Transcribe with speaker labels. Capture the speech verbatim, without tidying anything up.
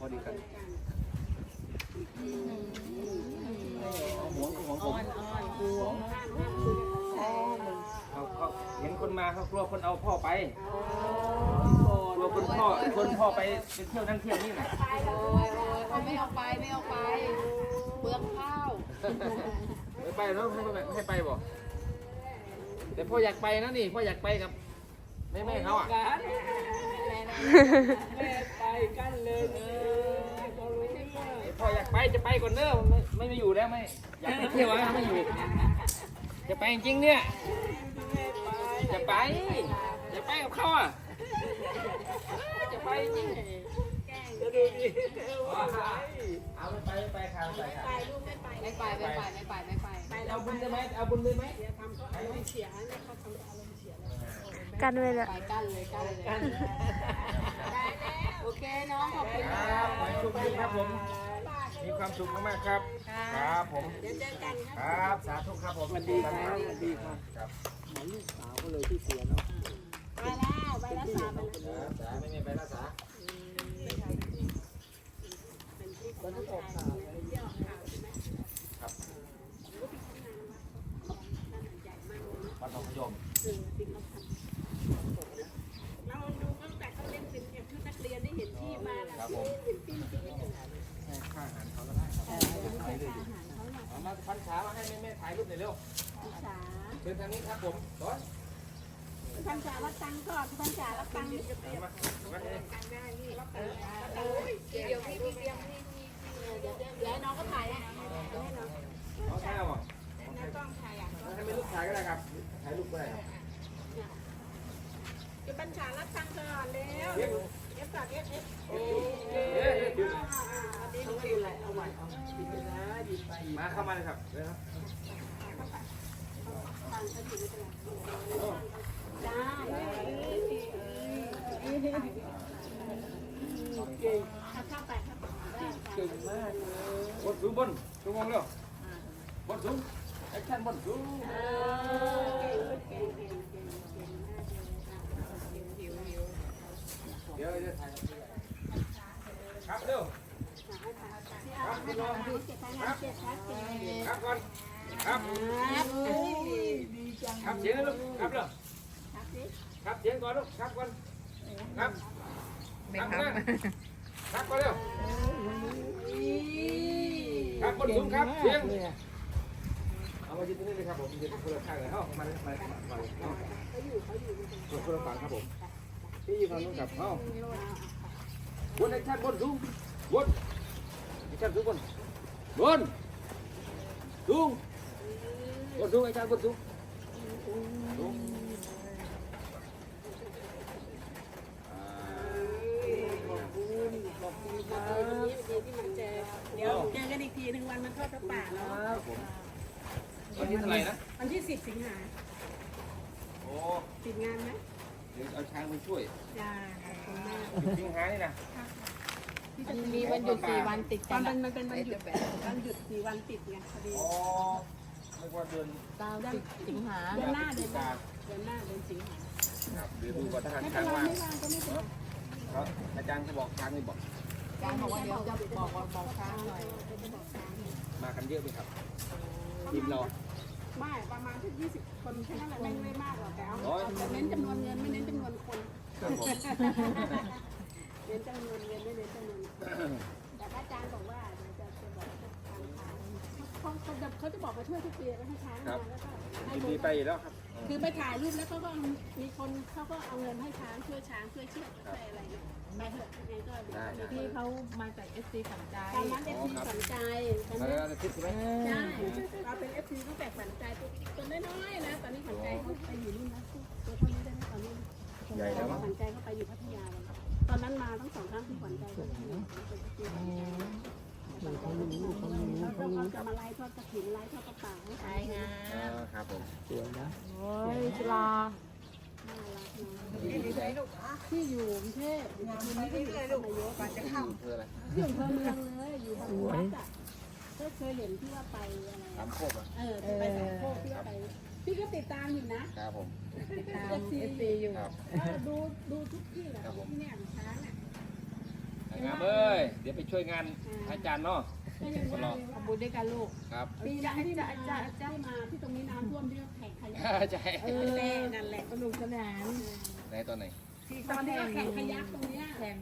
Speaker 1: ดีกันหวงหวงผมเขาเขาเห็นคนมาเขากลัวคนเอาพ่อไปกลัวคนพ่อคนพ่อไปไปเที่ยวนั่งเที่ยวนี่แหละ
Speaker 2: ไม่เอาไปไม่เอาไปเปลืองข้าว
Speaker 1: ไม่ไปแล้วให้ไปให้ไปบ่แต่พ่ออยากไปนะนี่พ่ออยากไปกับแม่แม่เขาอ่ะแม่ไปกันเลยพ่ออยากไปจะไปก่อนเนอะไม่ไม่มาอยู่แล้วไม่อยากไปเที่ยวนะไม่อยู่จะไปจริงเนี่ยจะไปจะไปกับเขาอ่ะจะไปจริงจะดูดิเอาไม่ไปไม่ไปค่ะไม่ไปค่ะ
Speaker 2: ไม่ไปไม่ไปไม่ไปไม่ไป
Speaker 1: เอาบุญได้ไหมเอาบุญได้ไหม
Speaker 3: กันเลยละ
Speaker 2: ไปกันเลยกันเลยโอเคน้องขอบคุณ
Speaker 1: ครับขอให้โชคดีครับผมมีความสุขมากๆครับครับผม
Speaker 2: เดี๋ยวเจอกัน
Speaker 1: ครับสาธุครับผมสวัสดีครับสวัสดีครับครับหมอลูกสาวก็เลยที่เสียเนาะ
Speaker 2: ไปแล้วไปรักษาไป
Speaker 1: แล้วสาไม่ไม่ไปรักษาวันที่ออกข่าวครับวันทองพยม
Speaker 2: เราดูตั้งแต่เขาเล่นเป็นชุดนักเรียนได้เห็นที่มาแล้วเห็นปีนปีน
Speaker 1: ให้ค่าอาหารเขาก็ได้ครับเอามาพันขามาให้แม่แม่ถ่ายรูปหน่อยเร็วเชิญทางนี้ครับผมร้อน
Speaker 2: พันจ่ารับตังค์ก่อนพันจ่ารับตังค์นี่
Speaker 1: มามาเลย
Speaker 2: เดี๋ยวพี่พี่เตรียมพี่พี่เดี๋ยวเดี๋ยวน้องก็ถ่ายให้น้อง
Speaker 1: เอาใช่หรอ
Speaker 2: น้องต้องถ่ายอ่ะ
Speaker 1: ให้ไม่ลูกถ่ายก็ได้ครับถ่ายรูปก็ได้
Speaker 2: จะพันจ่ารับตังค์ก่อนเร็วเอฟก่อนเอฟเอฟโอ้ดีดีเลยเอาไว้เอาดีไปนะดีไป
Speaker 1: มาเข้ามาเลยครับเลยครับ
Speaker 2: จ้าเก่งข้าวไปข้าว
Speaker 1: เก่งมากบนสูงบนสูงมองเร็วบนสูงแอคชั่นบนสูงเดี๋ยวจะถ่ายครับเร็วครับคุณรองครับครับก่อนครับครับเสียงลูกครับเร็วครับเสียงก่อนลูกครับก่อนครับครับครับก่อนเร็วครับบนสูงครับเสียงเอามายืนตรงนี้เลยครับผมยืนคนละข้างเลยเข้ามาเลยมาเลยมาเลยเข้าคนละฝั่งครับผมที่ยืนฝั่งนู้นกับเข้าบนแอคชั่นบนสูงบนแอคชั่นสูงบนบนสูงบนสูงแอคชั่นบนสูงสูง
Speaker 2: เดี๋ยวเจอกันอีกทีหนึ่งวันมันทอดกระป่าเนาะ
Speaker 1: วันที่เท่าไหร่นะ
Speaker 2: วันที่สิบสิงหา
Speaker 1: โอ้
Speaker 2: ติดงานไหม
Speaker 1: เดี๋ยวเอาช้างไปช่วย
Speaker 2: จ้าขอบคุณมาก
Speaker 1: สิงหานี่นะ
Speaker 2: มันมีวันหยุดสี่วันติดกันมันเป็นวันหยุดวันหยุดสี่วันติดไงพอดี
Speaker 1: อ๋อไม่ว่าเดือน
Speaker 2: เก้าสิงหาเดือนหน้าเดือนหน้าเดือนหน้าเดือนสิงหา
Speaker 1: ครับเดี๋ยวดูว่าทหารช้างว่างครับอาจารย์จะบอกช้างไม่บอก
Speaker 2: อาจารย์บอกว่าเดี๋ยวจะบอกบอกช้างหน่อย
Speaker 1: มากันเยอะไหมครับทีมเรา
Speaker 2: ไม่ประมาณที่ยี่สิบคนแค่นั้นแหละไม่ไม่มากหรอกแต่เอาเน้นจำนวนเงินไม่เน้นจำนวนคนเน้นจำนวนเงินไม่เน้นจำนวนแต่อาจารย์บอกว่าจะจะบอกทางทางเขาเขาจะเขาจะบอกมาช่วยทุกปีแล้วให้ช้างมาแล้วก็ให้
Speaker 1: ดีไปแล้วครับ
Speaker 2: คือไปถ่ายรูปแล้วเขาก็มีคนเขาก็เอาเงินให้ช้างช่วยช้างช่วยเชือกช่วยอะไรเนี่ยไปเถอะยังไงก็ที่เขามาจากเอฟซีฝันใจตอนนั้นเอฟซีฝันใจตอนนี้ใช่เราเป็นเอฟซีตั้งแต่ฝันใจตัวน้อยๆนะตอนนี้ฝันใจเขาไปอยู่นู่นนะตัวเท่านี้ได้ตอนนี้
Speaker 1: ใหญ่แล้ว
Speaker 2: ฝันใจเขาไปอยู่พัทยาตอนนั้นมาทั้งสองครั้งที่ฝันใจก็ที่แล้วก็เขาจะมาไล่ทอดกระถิ่นไล่ทอดกระป๋าให้ใช่ไง
Speaker 1: ครับผมสวยนะ
Speaker 2: โอ้ยปลาที่อยู่กรุงเทพงานนี้ก็อยู่นายกจะเข้าที่อำเภอเมืองเลยอยู่บางวัดอ่ะก็เคยเห็นที่ว่าไปอะไร
Speaker 1: สามโคกอ่ะ
Speaker 2: เออไปสามโคกที่ว่าไปพี่ก็ติดตามอยู่นะครับ
Speaker 1: ผม
Speaker 2: ติดตามเอฟซีอยู่ดูดูทุกที่แหละที่เนี่ยช้างอ่ะ
Speaker 1: งามเอ้ยเดี๋ยวไปช่วยงานอาจารย์เนาะ
Speaker 2: ก็ยังว่าทำบุญด้วยกันลูก
Speaker 1: ครับ
Speaker 2: ปีนั้นที่มาที่มาที่ตรงนี้น้ำท่วมที่แข่งขยัก
Speaker 1: ใช่
Speaker 2: เออนั่นแหละสนุกสนาน
Speaker 1: ไหนตอนไหน
Speaker 2: ตอนที่แข่งขยักตรงเนี้ย